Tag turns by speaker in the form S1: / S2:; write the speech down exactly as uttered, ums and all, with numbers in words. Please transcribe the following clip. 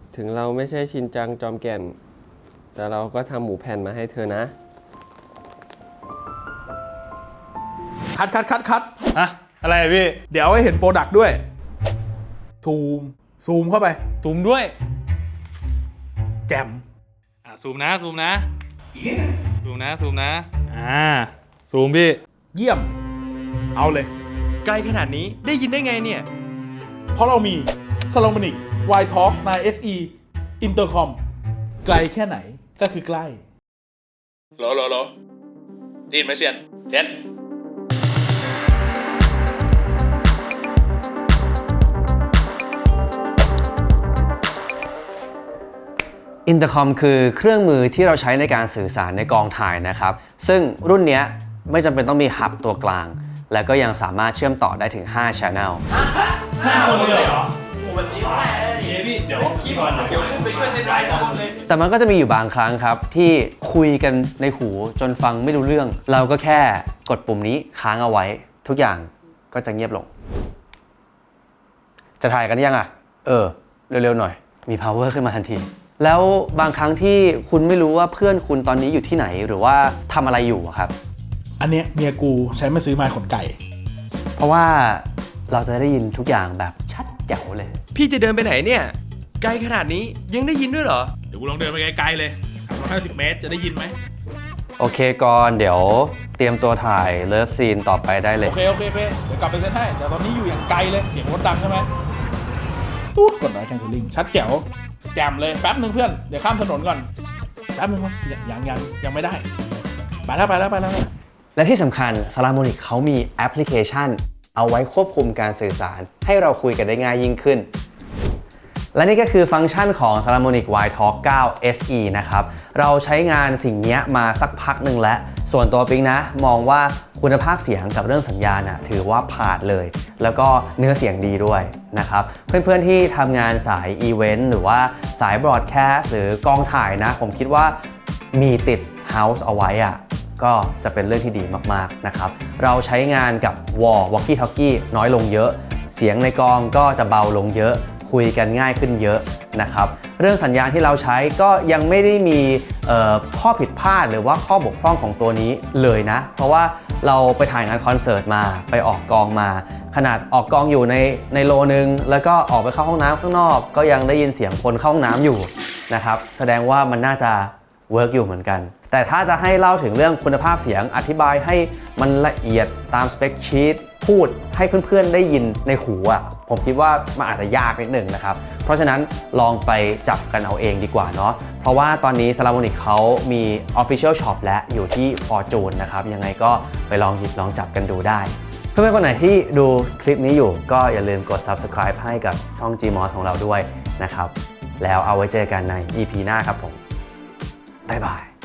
S1: ถึงเราไม่ใช่ชินจังจอมแก่นแต่เราก็ทำหมูแผ่นมาให้เธอนะ
S2: คัดคัดคัดคัด
S3: อะอะไรพี่
S2: เดี๋ยวให้เห็นโปรดักต์ด้วยซูมซูมเข้าไป
S3: ซูมด้วย
S2: แจม
S3: อ่ะซูมนะซูมนะซูมนะซูมนะอ่าซูมพี่
S2: เยี่ยมเอาเลย
S4: ไกลขนาดนี้ได้ยินได้ไงเนี่ย
S2: เพราะเรามี Salomonic Wide Talk ไนน์ เอส อี Intercom ไกลแค่ไหนก็คือใกล้รอรอรอได้ยินไหมเซียนเท็ด
S5: อินเตอร์คอมคือเครื่องมือที่เราใช้ในการสื่อสารในกองถ่ายนะครับซึ่งรุ่นนี้ไม่จำเป็นต้องมีฮับตัวกลางและก็ยังสามารถเชื่อมต่อได้ถึงห้า Channel
S3: ห้าคนเลยเหรอโอ้แบบนี้ก็ได้เลยดิเดี๋ยวขี้ก่อนเดี๋ยวขึ้นไปช่วยเซตไลน์ทั้งหมดเลย
S5: แต่มันก็จะมีอยู่บางครั้งครับที่คุยกันในหูจนฟังไม่รู้เรื่องเราก็แค่กดปุ่มนี้ค้างเอาไว้ทุกอย่างก็จะเงียบลงจะถ่ายกันยังอ่ะเออเร็วๆหน่อยมี power ขึ้นมาทันทีแล้วบางครั้งที่คุณไม่รู้ว่าเพื่อนคุณตอนนี้อยู่ที่ไหนหรือว่าทำอะไรอยู่ครับ
S2: อันเนี้ยเมียกูใช้มาซื้อไม้ขนไก่
S5: เพราะว่าเราจะได้ยินทุกอย่างแบบชัดแจ๋วเลย
S4: พี่จะเดินไปไหนเนี่ยไกลขนาดนี้ยังได้ยินด้วยเหรอ
S2: เดี๋ยวกูลองเดินไปไกลๆเลยสามร้อยห้าสิบเมตรจะได้ยินไหม
S5: โอเคก่อนเดี๋ยวเตรียมตัวถ่ายเลิฟซีนต่อไปได้เลย
S2: โอเคโอเคโอเคเดี๋ยวกลับไปเซ็นให้เดี๋ยวตอนนี้อยู่อย่างไกลเลยเสียงรถดังใช่ไหมตุ๊ดกดน้อยแคนเซิลลิ่งชัดแจ๋วแจมเลยแป๊บหนึ่งเพื่อนเดี๋ยวข้ามถนนก่อนแป๊บหนึ่งวะยังยังยังไม่ได้ไปแล้วไปแล้วไปแล้ว
S5: และที่สำคัญ Salomonic เขามีแอปพลิเคชันเอาไว้ควบคุมการสื่อสารให้เราคุยกันได้ง่ายยิ่งขึ้นและนี่ก็คือฟังก์ชันของ Salomonic Wide Talk ไนน์ เอส อี นะครับเราใช้งานสิ่งนี้มาสักพักหนึ่งแล้วส่วนตัวปิ๊งนะมองว่าคุณภาพเสียงกับเรื่องสัญญาณนะถือว่าผ่านเลยแล้วก็เนื้อเสียงดีด้วยนะครับเพื่อนๆที่ทำงานสายอีเวนต์หรือว่าสายบรอดแคสต์หรือกองถ่ายนะผมคิดว่ามีติด House เอาไว้อะก็จะเป็นเรื่องที่ดีมากๆนะครับเราใช้งานกับ Wall Walkie Talkie น้อยลงเยอะเสียงในกองก็จะเบาลงเยอะคุยกันง่ายขึ้นเยอะนะครับเรื่องสัญญาณที่เราใช้ก็ยังไม่ได้มีข้อผิดพลาดหรือว่าข้อบกพร่องของตัวนี้เลยนะเพราะว่าเราไปถ่ายงานคอนเสิร์ตมาไปออกกองมาขนาดออกกองอยู่ในในโลนึงแล้วก็ออกไปเข้าห้องน้ำข้างนอกก็ยังได้ยินเสียงคนเข้าห้องน้ำอยู่นะครับแสดงว่ามันน่าจะเวิร์กอยู่เหมือนกันแต่ถ้าจะให้เล่าถึงเรื่องคุณภาพเสียงอธิบายให้มันละเอียดตามสเปคชีตพูดให้เพื่อนๆได้ยินในหูอ่ะผมคิดว่ามันอาจจะยากนิดหนึ่งนะครับเพราะฉะนั้นลองไปจับกันเอาเองดีกว่าเนาะเพราะว่าตอนนี้ Salomonic เขามี Official Shop และอยู่ที่ Fortune นะครับยังไงก็ไปลองหยิบลองจับกันดูได้เพื่อนๆคนไหนที่ดูคลิปนี้อยู่ก็อย่าลืมกด Subscribe ให้กับช่อง Gmos ของเราด้วยนะครับแล้วเอาไว้เจอกันใน อี พี หน้าครับผมบ๊ายบาย